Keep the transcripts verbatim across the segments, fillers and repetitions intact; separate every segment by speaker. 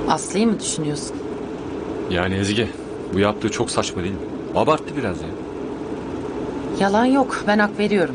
Speaker 1: Aslı'yı mı düşünüyorsun?
Speaker 2: Yani Ezgi, bu yaptığı çok saçma değil mi? Abarttı biraz ya.
Speaker 1: Yalan yok, ben hak veriyorum.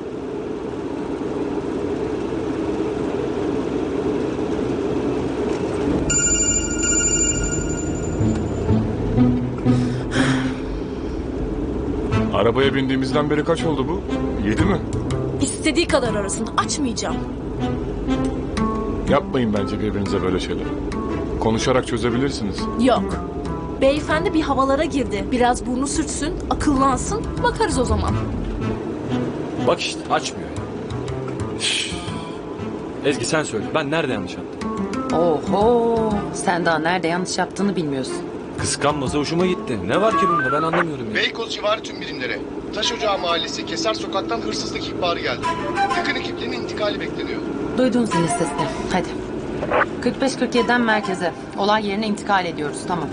Speaker 3: Arabaya bindiğimizden beri kaç oldu bu? Yedi mi?
Speaker 4: İstediği kadar arasın. Açmayacağım.
Speaker 3: Yapmayın bence birbirinize böyle şeyler. Konuşarak çözebilirsiniz.
Speaker 4: Yok. Beyefendi bir havalara girdi. Biraz burnu sürtsün, akıllansın. Bakarız o zaman.
Speaker 2: Bak işte açmıyor ya. Üf. Ezgi sen söyle, ben nerede yanlış yaptım?
Speaker 1: Oho, sen daha nerede yanlış yaptığını bilmiyorsun.
Speaker 2: Kıskanmasa hoşuma gitti. Ne var ki bunda, ben anlamıyorum ya.
Speaker 5: Beykoz civarı tüm birimlere. Taş Ocağı Mahallesi Keser Sokak'tan hırsızlık ihbarı geldi. Yakın ekiplerin intikali bekleniyor.
Speaker 1: Duydun zil sesini. Hadi. kırk beş kırk yedi'den merkeze. Olay yerine intikal ediyoruz. Tamam.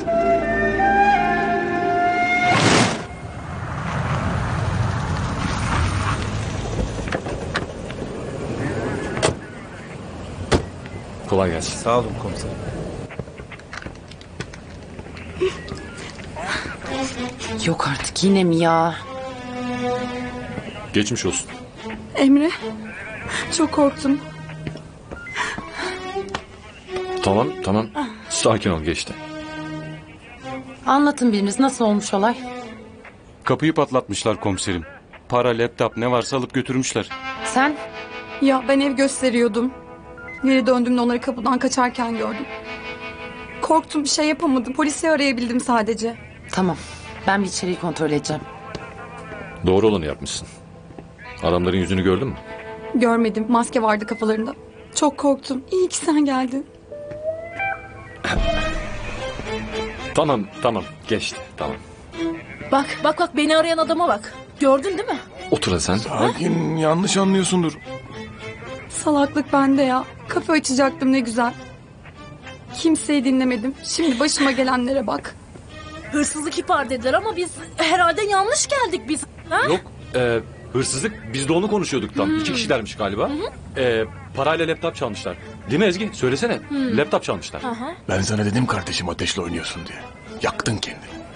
Speaker 2: Kolay gelsin.
Speaker 6: Sağ olun komiserim.
Speaker 1: Yok artık yine mi ya?
Speaker 2: Geçmiş olsun.
Speaker 7: Emre, çok korktum.
Speaker 2: Tamam tamam. Sakin ol, geçti.
Speaker 1: Anlatın biriniz, nasıl olmuş olay?
Speaker 6: Kapıyı patlatmışlar komiserim. Para, laptop ne varsa alıp götürmüşler.
Speaker 1: Sen?
Speaker 7: Ya ben ev gösteriyordum. Geri döndüğümde onları kapıdan kaçarken gördüm. Korktum, bir şey yapamadım. Polisi arayabildim sadece.
Speaker 1: Tamam. Ben bir içeriği kontrol edeceğim.
Speaker 2: Doğru olanı yapmışsın. Adamların yüzünü gördün mü?
Speaker 7: Görmedim, maske vardı kafalarında. Çok korktum. İyi ki sen geldin.
Speaker 2: Tamam tamam, geçti tamam.
Speaker 4: Bak, bak, bak beni arayan adama bak. Gördün değil mi?
Speaker 2: Otur hadi sen.
Speaker 3: Sakin, yanlış anlıyorsundur.
Speaker 7: Salaklık bende ya. Kafe açacaktım ne güzel. Kimseyi dinlemedim. Şimdi başıma gelenlere bak.
Speaker 4: Hırsızlık ihbar dediler ama biz herhalde yanlış geldik biz. Ha?
Speaker 2: Yok, e, hırsızlık, biz de onu konuşuyorduk tam. İki kişilermiş galiba. E, parayla laptop çalmışlar. Değil mi Ezgi? Söylesene. Laptop çalmışlar.
Speaker 4: Aha.
Speaker 3: Ben sana dedim kardeşim ateşle oynuyorsun diye. Yaktın kendini.